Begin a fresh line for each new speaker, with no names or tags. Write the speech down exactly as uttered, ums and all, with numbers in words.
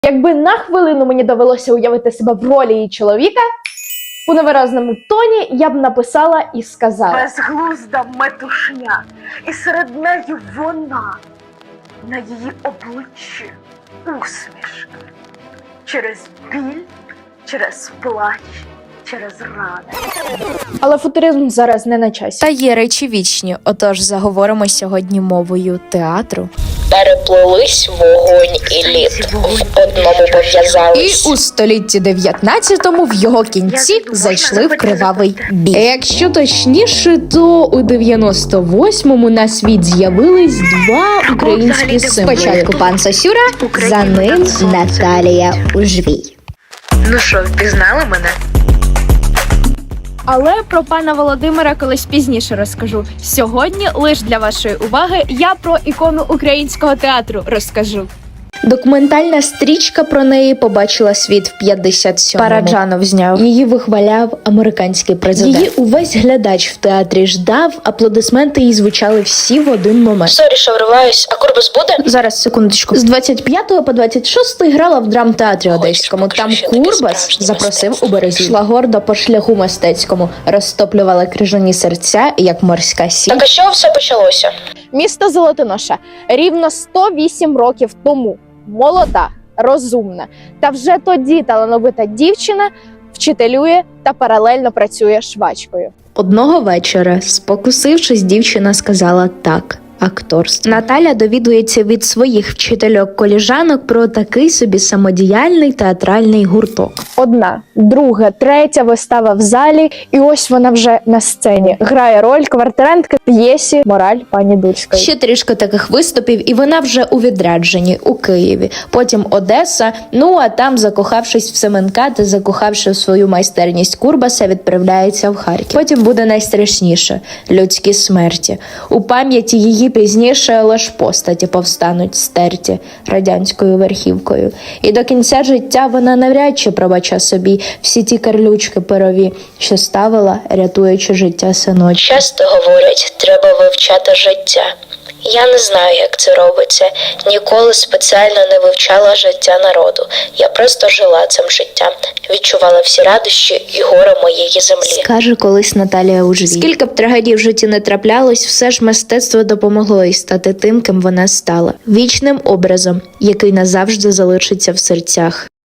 Якби на хвилину мені довелося уявити себе в ролі її чоловіка, у невиразному тоні я б написала і сказала:
безглузда метушня, і серед неї вона, на її обличчі усмішка. Через біль, через плач, через рани.
Але футуризм зараз не на часі.
Та є речі вічні, отож заговоримо сьогодні мовою театру.
Переплились вогонь і лід, в одному
І
пов'язались.
у столітті дев'ятнадцятому в його кінці зайшли в кривавий бій. Якщо точніше, то у дев'яносто восьмому на світ з'явились два українські символи. Спочатку пан Сосюра, за ним Наталія Ужвій.
Ну що, впізнали мене?
Але про пана Володимира колись пізніше розкажу. Сьогодні лише для вашої уваги я про ікону українського театру розкажу.
Документальна стрічка про неї побачила світ в п'ятдесят сьомому. Параджанов зняв. Її вихваляв американський президент. Її увесь глядач в театрі ждав, аплодисменти їй звучали всі в один момент.
Сорі, що вриваюсь, а Курбас буде?
Зараз, секундочку. З двадцять п'ятого по двадцять шостий грала в драмтеатрі Одеському.
покажу,
Там
що таке
Курбас
справжнє
запросив
мистецтво.
у березі. Йшла гордо по шляху мистецькому, розтоплювала крижані серця, як морська сіль.
Так а з чого все почалося?
Місто Золотоноша рівно сто вісім років тому. Молода, розумна та вже тоді талановита дівчина вчителює та паралельно працює швачкою.
Одного вечора, спокусившись, дівчина сказала так. Акторство. Наталя довідується від своїх вчительок-коліжанок про такий собі самодіяльний театральний гурток.
Одна, друга, третя вистава в залі, і ось вона вже на сцені. Грає роль квартирантки в п'єсі «Мораль пані Дульської».
Ще трішки таких виступів, і вона вже у відрядженні у Києві. Потім Одеса, ну а там, закохавшись в Семенка та закохавши в свою майстерність Курбаса, відправляється в Харків. Потім буде найстрашніше – людські смерті. У пам'яті її пізніше, але ж постаті повстануть стерті радянською верхівкою. І до кінця життя вона навряд чи пробача собі всі ті карлючки перові, що ставила, рятуючи життя синочка.
Часто говорять, треба вивчати життя. Я не знаю, як це робиться. Ніколи спеціально не вивчала життя народу. Я просто жила цим життям, відчувала всі радощі і горе моєї землі.
Скаже колись Наталія Ужвій. Скільки б трагедій в житті не траплялось, все ж мистецтво допомогло їй стати тим, ким вона стала. Вічним образом, який назавжди залишиться в серцях.